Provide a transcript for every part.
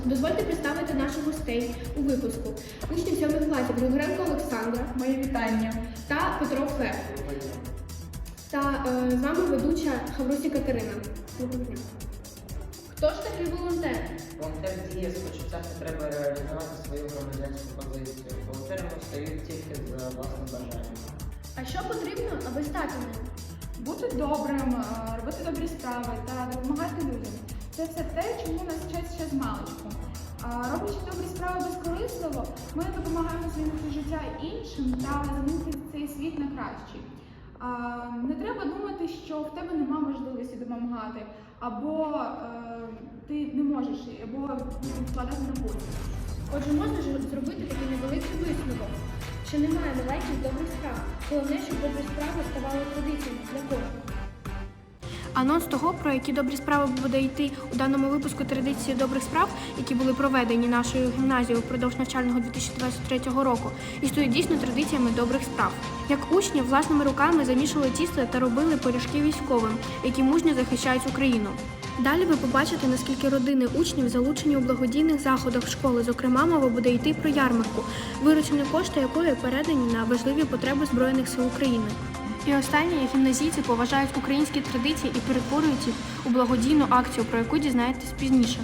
Дозвольте представити наших гостей у випуску. Учні 7 класів Григоренко Олександра, Мої вітання. та Петро Фе. Та з вами ведуча Хаврусі Катерина. Хто ж такий волонтер? Волонтер діє з почуття потреби реалізувати свою громадянську позицію. Волонтерами стають тільки за власним бажанням. А що потрібно, аби стати ним? Бути добрим, робити добрі справи та допомагати людям. Це все те, чому нас вчать ще з маличку. Роблячи добрі справи безкорисливо, ми допомагаємо змінити життя іншим та змінити цей світ на кращий. Не треба думати, що в тебе нема можливості допомагати, або ти не можеш, або вкладати на потім. Отже, можна ж зробити такий невеликий висновок, що немає легких добрих справ. Головне, щоб добрі справи ставали традиціями для кожного. Анонс того, про які добрі справи буде йти у даному випуску традиції добрих справ, які були проведені нашою гімназією впродовж навчального 2023 року, існують дійсно традиціями добрих справ. Як учні власними руками замішували тісто та робили пиріжки військовим, які мужньо захищають Україну. Далі ви побачите, наскільки родини учнів залучені у благодійних заходах школи. Зокрема, мова буде йти про ярмарку, виручені кошти якої передані на важливі потреби Збройних сил України. І останнє, гімназійці поважають українські традиції і перетворюють їх у благодійну акцію, про яку дізнаєтесь пізніше.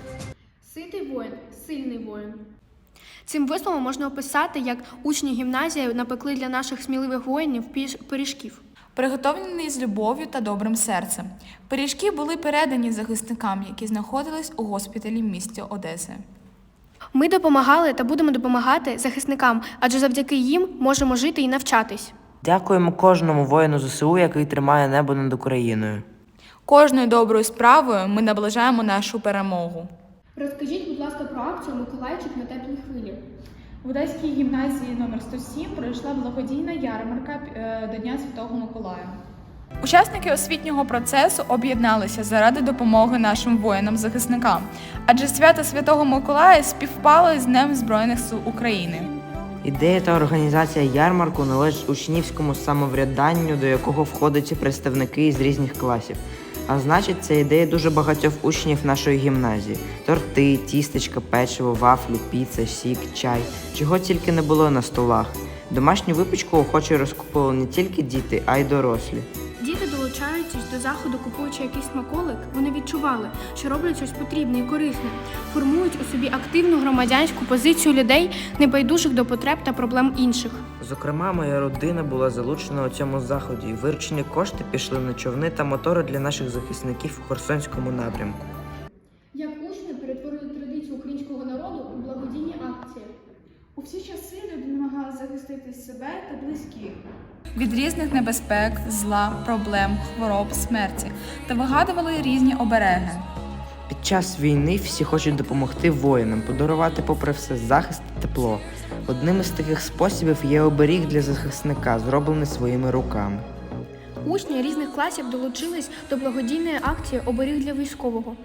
Ситий воїн – сильний воїн. Цим висловом можна описати, як учні гімназії напекли для наших сміливих воїнів пиріжків. Приготовлені з любов'ю та добрим серцем. Пиріжки були передані захисникам, які знаходились у госпіталі в місті Одеси. Ми допомагали та будемо допомагати захисникам, адже завдяки їм можемо жити і навчатись. Дякуємо кожному воїну ЗСУ, який тримає небо над Україною. Кожною доброю справою ми наближаємо нашу перемогу. Розкажіть, будь ласка, про акцію «Миколайчик на теплій хвилі». В Одеській гімназії номер 107 пройшла благодійна ярмарка до Дня Святого Миколая. Учасники освітнього процесу об'єдналися заради допомоги нашим воїнам-захисникам, адже свято Святого Миколая співпало з Днем Збройних сил України. Ідея та організація ярмарку належить учнівському самоврядданню, до якого входять представники із різних класів. А значить, це ідея дуже багатьох учнів нашої гімназії. Торти, тістечка, печиво, вафлі, піца, сік, чай. Чого тільки не було на столах. Домашню випічку охоче розкупували не тільки діти, а й дорослі. Діти, долучаючись до заходу, купуючи якийсь смаколик, вони відчували, що роблять щось потрібне і корисне, формують у собі активну громадянську позицію людей, небайдужих до потреб та проблем інших. Зокрема, моя родина була залучена у цьому заході, і виручені кошти пішли на човни та мотори для наших захисників у Херсонському напрямку. Як учні перетворили традицію українського народу у благодійні акції. У всі часи люди намагалися захистити себе та близьких Від різних небезпек, зла, проблем, хвороб, смерті та вигадували різні обереги. Під час війни всі хочуть допомогти воїнам, подарувати попри все захист та тепло. Одним із таких способів є оберіг для захисника, зроблений своїми руками. Учні різних класів долучились до благодійної акції «Оберіг для військового».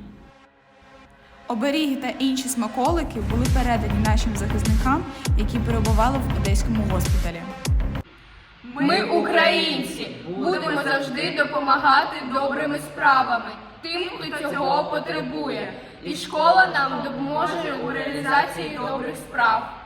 Оберіги та інші смаколики були передані нашим захисникам, які перебували в Одеському госпіталі. Ми, українці, будемо завжди допомагати добрими справами тим, хто цього потребує. І школа нам допоможе у реалізації добрих справ.